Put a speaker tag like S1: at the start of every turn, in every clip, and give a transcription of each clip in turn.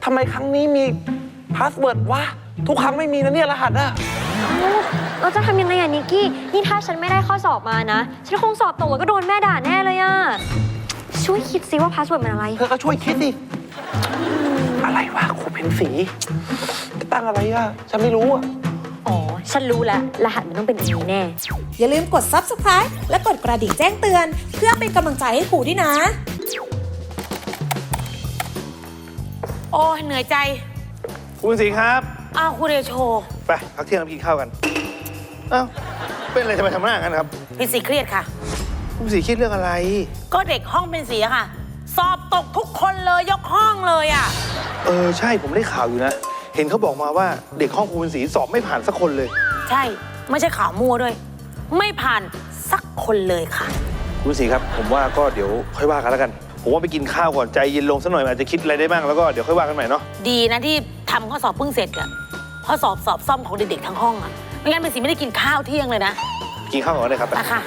S1: ทำไมครั้งนี้มีพาสเวิร์ดวะทุกครั้งไม่มีนะเนี่ยรหัสอะ
S2: เราจะทำยังไงอะนิกกี้นี่ถ้าฉันไม่ได้ข้อสอบมานะฉันคงสอบตกแล้วก็โดนแม่ด่าแน่เลยอะช่วยคิดซิว่าพาสเวิร์ดมันอะไร
S1: เธอก็ช่วยคิดสิอะไรวะครูเพนสีจะตั้งอะไรอะฉันไม่รู้อะ
S2: อ๋อฉันรู้แล้วรหัสมันต้องเป็นอันนี้แน่
S3: อย่าลืมกด Subscribe และกดกระดิ่งแจ้งเตือนเพื่อเป็นกำลังใจให้ครูด้วยนะ
S4: โอ้เหนื่อยใจ
S5: คุณศรีครับ
S4: อ้าวคุณเดโช
S5: ไปพักเที่ยงกินข้าวกันอ้าวเป็นอะไรทำไมทำหน้างั้นครับ
S4: เป็นสีเครียดค่ะ
S5: คุณศรีคิดเรื่องอะไร
S4: ก็เด็กห้องเป็นสีค่ะสอบตกทุกคนเลยยกห้องเลยอ่ะ
S5: ใช่ผมได้ข่าวอยู่นะเห็นเขาบอกมาว่าเด็กห้องคุณศรีสอบไม่ผ่านสักคนเลย
S4: ใช่ไม่ใช่ข่าวมั่วด้วยไม่ผ่านสักคนเลยค่ะ
S5: คุณศรีครับผมว่าก็เดี๋ยวค่อยว่ากันแล้วกันผมว่าไปกินข้าวก่อนใจเย็นลงสักหน่อยอาจจะคิดอะไรได้บ้างแล้วก็เดี๋ยวค่อยว่ากันใหม่เนาะ
S4: ดีนะที่ทำข้อสอบเพิ่งเสร็จอะข้อสอบซ่อมของเด็กๆทั้งห้องอะไม่งั้นเป็นสีไม่ได้กินข้าวเที่ยงเลยนะ
S5: กินข้าวก่อนเลยครับ
S4: ค่ะ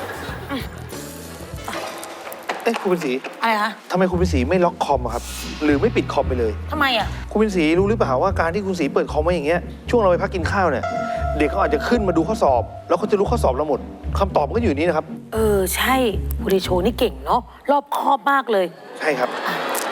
S5: คุณเป็นสี
S4: อะไรคะ
S5: ทำไมคุณเป็นสีไม่ล็อกคอมครับหรือไม่ปิดคอมไปเลย
S4: ทำไมอะ
S5: คุณเป็นสีรู้หรือเปล่าว่าการที่คุณสีเปิดคอมไว้อย่างเงี้ยช่วงเราไปพักกินข้าวเนี่ยเด็กเขาอาจจะขึ้นมาดูข้อสอบแล้วเขาจะรู้ข้อสอบเราหมดคำตอบมันก็อยู่นี่นะครับ
S4: ใช่คุณเดโชนี่เก่งเนาะรอบคอบมากเลย
S5: ใช่ครับ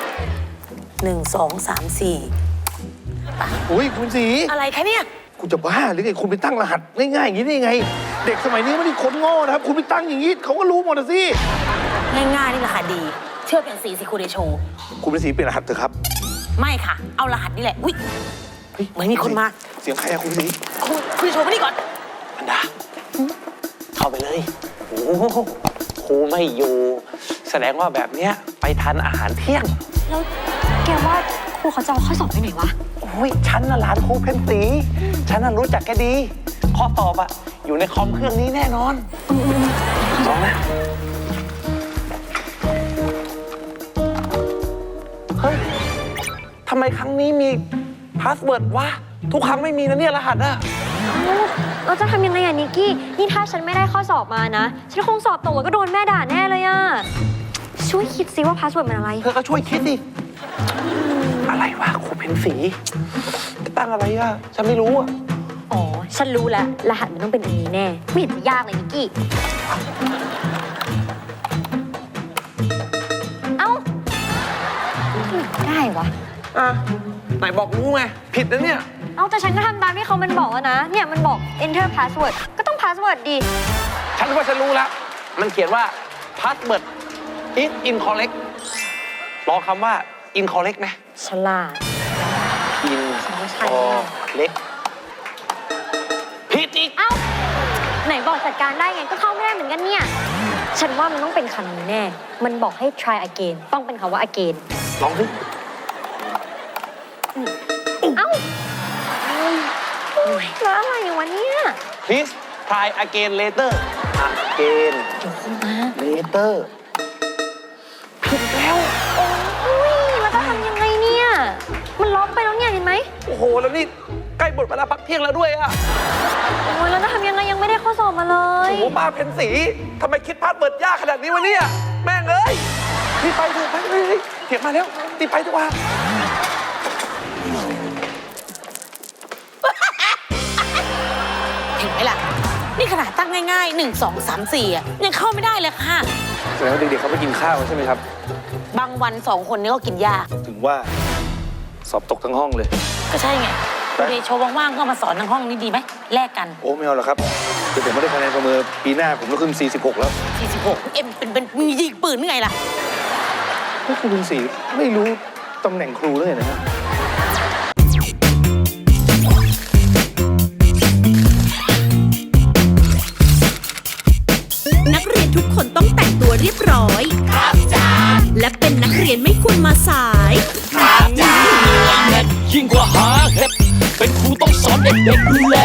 S4: 1 2 3 4
S5: อุ้ยคุณสี
S4: อะไรคะเนี่ย
S5: คุณจะบ้าหรือไงคุณไปตั้งรหัสง่ายๆอย่างนี้ได้ยังไงเด็กสมัยนี้ไม่ได้คนโง่นะครับคุณไปตั้งอย่างนี้เขาก็รู้หมดสิ
S4: ง่ายๆนี่แหละค่ะดีเชื่อเป็นสีสิคุณเดโช
S5: คุณเป็นสีเปลี่ยนรหัสเถอะครับ
S4: ไม่ค่ะเอารหัสนี่แหละอุ้ยเหมือนมีคนมา
S5: เสียงใครอะคุณสี
S4: คุณเดโชมานี่ก่อน
S1: อันดาเข้าไปเลยโอ้ครูไม่อยู่แสดงว่าแบบเนี้ยไปทานอาหารเที่ยง
S2: แล้วแกว่าครูเขาจะเอาข้อสอบไปไหนวะ
S1: โอ้ยฉันน่ะหลานครูเพนสีฉันน่ะรู้จักแกดีข้อสอบอะอยู่ในคอมเครื่องนี้แน่นอนลองนะเฮ้ยทำไมครั้งนี้มีพาสเวิร์ดวะทุกครั้งไม่มีนะเนี่ยรหัสอะ
S2: เราจะทำยังไงอะนิกกี้นี่ถ้าฉันไม่ได้ข้อสอบมานะฉันคงสอบตกแล้วก็โดนแม่ด่าแน่เลยอะช่วยคิดซิว่าพาสเวิร์ดมันอะไร
S1: เธอก็ช่วยคิดสิอะไรวะครูเพนสีจะตั้งอะไรอะฉันไม่รู้อะ
S2: อ๋อฉันรู้แล้วรหัสมันต้องเป็นอันนี้แน่ไม่เห็นจะยากเลยนิกกี้เอ้าได้วะ
S1: ไหนบอกรู้ไงผิดนะเนี่ย
S2: เอาแต่ฉันก็ทำตามที่เขามันบอกแล้วนะเนี่ยมันบอก enter password ก็ต้อง password ดิ
S1: ฉันว่าฉันรู้แล้วมันเขียนว่า password is incorrect รอคำว่า incorrect ไหม
S2: ฉลาด
S1: incorrect ผิดอีก
S2: เอ้าไหนบอกจัดการได้ไงก็เข้าไม่ได้เหมือนกันเนี่ยฉันว่ามันต้องเป็นคำนี้แน่มันบอกให้ try again ต้องเป็นคำว่า again
S1: ลองดิ
S2: เอ้าแล้วอะไรวะเนี่ย
S1: Please try again later again
S2: เดี๋ยวขึ้นมา
S1: later ผิดแล้ว
S2: โอ้ยแล้วจะทำยังไงเนี่ยมันล็อกไปแล้วเนี่ยเห็นไหม
S1: โอ้โหแล้วนี่ใกล้หมดเวลาพักเที่ยงแล้วด้วยอะ
S2: โอ้ยแล้วจะทำยังไงยังไม่ได้ข้อสอบมาเลย
S1: โอ้โหป้าเพนสีทำไมคิดพาสเวิร์ดยากขนาดนี้วะเนี่ยแม่งเอ้ยรีบไปเถอะไปเลยเถียงมาแล้วรีบไปดีกว่า
S4: เห็นไหมล่ะนี่ขนาดตั้งง่ายๆ1 2 3 4อ่ะยังเข้าไม่ได้เลยค่ะ
S5: แสดงว่าเด็กๆเขาไปกินข้าวใช่ไหมครับ
S4: บางวัน2 คนนี้ก็กินยาก
S5: ถึงว่าสอบตกทั้งห้องเลย
S4: ก็ใช่ไงคุณเดโชว่างๆก็มาสอนทั้งห้องนี้ดีไหมแลกกัน
S5: โอ้ไม่เอาหรอกครับเดี๋ยวผมไม่ได้คะแนนประเมินปีหน้าผมต้องขึ้น46แล้ว
S4: 46เอ็มเป็นมียิงปืนยังไงล่ะ
S5: พวกคุณเป็นสีไม่รู้ตำแหน่งครูเลยนะฮะ
S3: นักเรียนทุกคนต้องแต่งตัวเรียบร้อยครับจ้าและเป็นนักเรียนไม่ควรมาสาย
S6: ครับจ้ายิ่งกว่าหาเห็ดเป็นครูต้องสอนเด็กๆดูแล